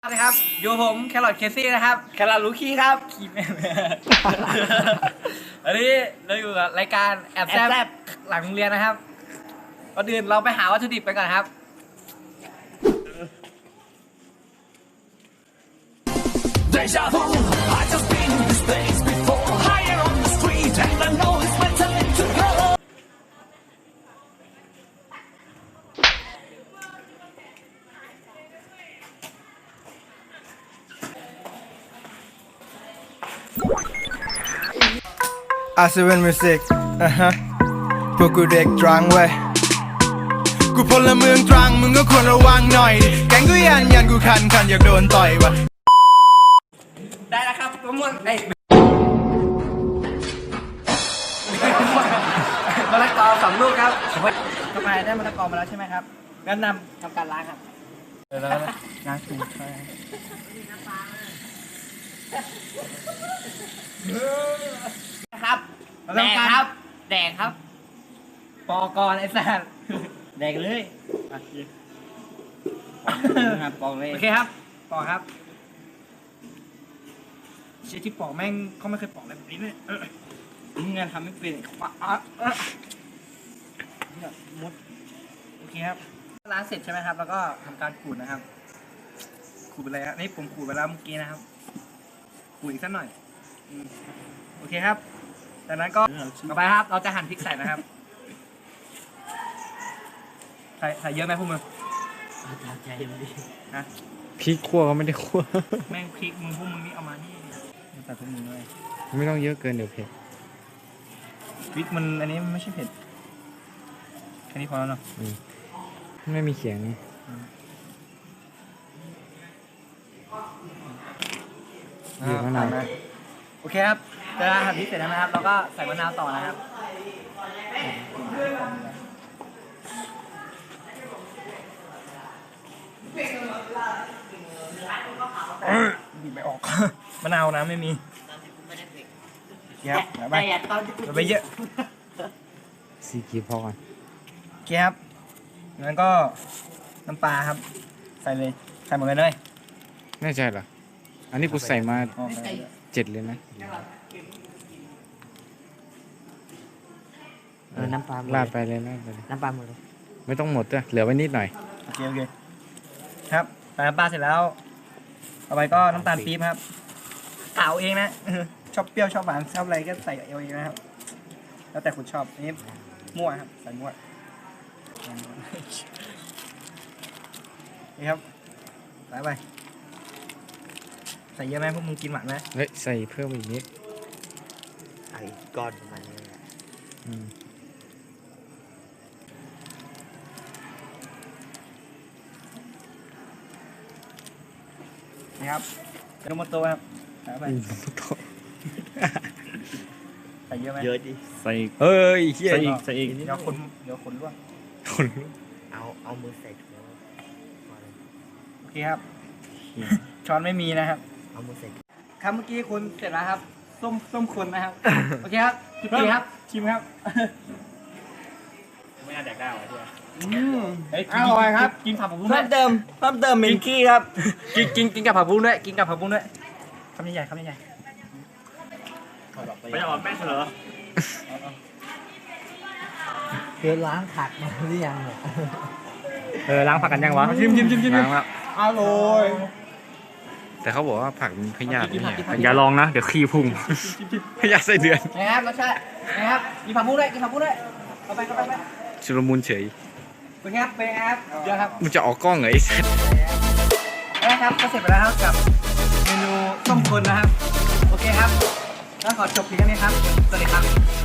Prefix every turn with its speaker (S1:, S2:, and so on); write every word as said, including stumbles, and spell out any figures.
S1: นะครับอยู่ผมแครอทเคซี่นะครับแครอทลูคี้ครับคีแม่อันนี้เราอยู่กับรายการแอบแซบหลังโรงเรียนนะครับก่อนอื่นเราไปหาวัตถุดิบไปก่อนครับ
S2: อาเซเว่นมิวสิกอ่ะฮะพวกกูเด็กตรังเว้ยกูพลเมืองตรังมึงก็ควรระวังหน่อยดิแกงกูยันยันกูคันคันอยากโดนต่อยวะ
S1: ได้แล้วครับมะม่วงไอ้มะละกอสองลูกครับทำไมได้มะละกอมาแล้วใช่ไหมครับงั้นนำทำการล้างครับเดี๋ยวแล้วล้างถูกใช่ครับแดงครับแดงครับปอกรไอ้สัสแดงเลยครับปอกเลยโอเคครับปอกครับเชี่ยที่ปอกแม่งเขาไม่เคยปอกอะไรแบบนี้เลยมึงงานทำไม่เป็นปะอ่ะเนี่ยมดโอเคครับล้างเสร็จใช่ไหมครับแล้วก็ทำการขูดนะครับขูดไปเลยครับนี่ผมขูดไปแล้วเมื่อกี้นะครับขูดอีกสักหน่อยโอเคครับจากนั้นก็ต่อไปครับเราจะหั่นพริกใส่นะครับใส่ใส่เยอะไหมพวกมึงใจมันดีนะ
S3: พริกคั่วก็ไม่ได้คั่ว
S1: แม่งพริกมึงพวกมึงนี่เอามานี่ใส่พวกมึงเลย
S3: ไม่ต้องเยอะเกินเดี๋ยวเผ็ด
S1: พริกมันอันนี้มันไม่ใช่เผ็ดแค่นี้พอแล้วเนาะ
S3: ไม่มีเขียงนี่บีบมะนาว
S1: โอเคครับเวลาหั่นพริกเสร็จแล้วนะครับเราก็ใส่มะนาวต่อนะครับบีบไม่ออกมะนาวนะไม่มีครับไปไปเยอะ
S3: สีกีพอก่อน
S1: โอเคครับงั้นก็น้ำปลาครับใส่เลยใส่หมดเลยเลย
S3: แน่ใจเหรออันนี้กูใส่มาเจ็ดเลยนะ
S4: เออน้ำปลา
S3: ลาดไปเลยลาดไปเลย
S4: น้ำปลาหมดเลย
S3: ไม่ต้องหมดด้วยเหลือไว้นิดหน่อย
S1: โอเคโอเคครับใส่น้ำปลาเสร็จแล้วต่อไปก็น้ำตาลปี๊บครับกล่าวเองนะชอบเปรี้ยวชอบหวานชอบอะไรก็ใส่เอาเองนะครับแล้วแต่คุณชอบอันนี้มั่วครับใส่มั่วนี่ครับใส่ไปใส่เยอะไหมพวกมึงกินหวานไหม
S3: เฮ้ยใส่เพิ่มอีกนิด
S4: ไอ้ก้อนประมาณนี้
S3: อืม
S1: นี่ครับเป็นโมโต้ครับใส่ไปใส่เยอะไหม
S4: เยอะดิ
S3: ใส่เฮ้ย
S1: ใส่อีกใส่อีกเดี๋ยวคนเดี๋ยวคนร่วง
S3: คน
S4: เอาเอามือใส่ถุง
S1: โอเคครับช้อนไม่มีนะครับ
S4: เอามือใส่
S1: ครับเมื่อกี้คุณเสร็จแล้วครับส้มส้มคนนะครับโอเคครับจุดดีครับชิมครับไม่น่าแดกได้หรอที่อร่อยครับกินผักผักบุ้ง
S4: เพิ่มเติมเพิ่มเติมมินกี้ครับ
S1: กินกินกินกับผักบุ้งด้วยกินกับผักบุ้งด้วยคำใหญ่ๆคำใหญ่ๆไม่ออกแม่เหรอ
S4: เธอล้างผักมาหรือยังเนี่ย
S3: เออล้างผักกันยังวะ
S1: ชิมชิมชิมชิม
S3: ล้างแล้ว
S1: อร่อย
S3: แต่เขาบอกว่าผักมันพยาธิเนี่ยอย่าลองนะเดี๋ยวขี้พุ่งพยาธิไส้เดือน
S1: นะครับรสชาตินะครับกินผักบุ้งด้วยกินผักบุ้งด้วยเข้าไปเข้าไป
S3: ชุลมุนเฉย
S1: เป็นครับเป็นครับเยอะครับ
S3: มันจะออกกล้องเหรอไอ้เซต
S1: นะครับก็เสร็จไปแล้วครับกับเมนูส้มคนนะครับโอเคครับแล้วขอจบเพียงแค่นี้ครับสวัสดีครับ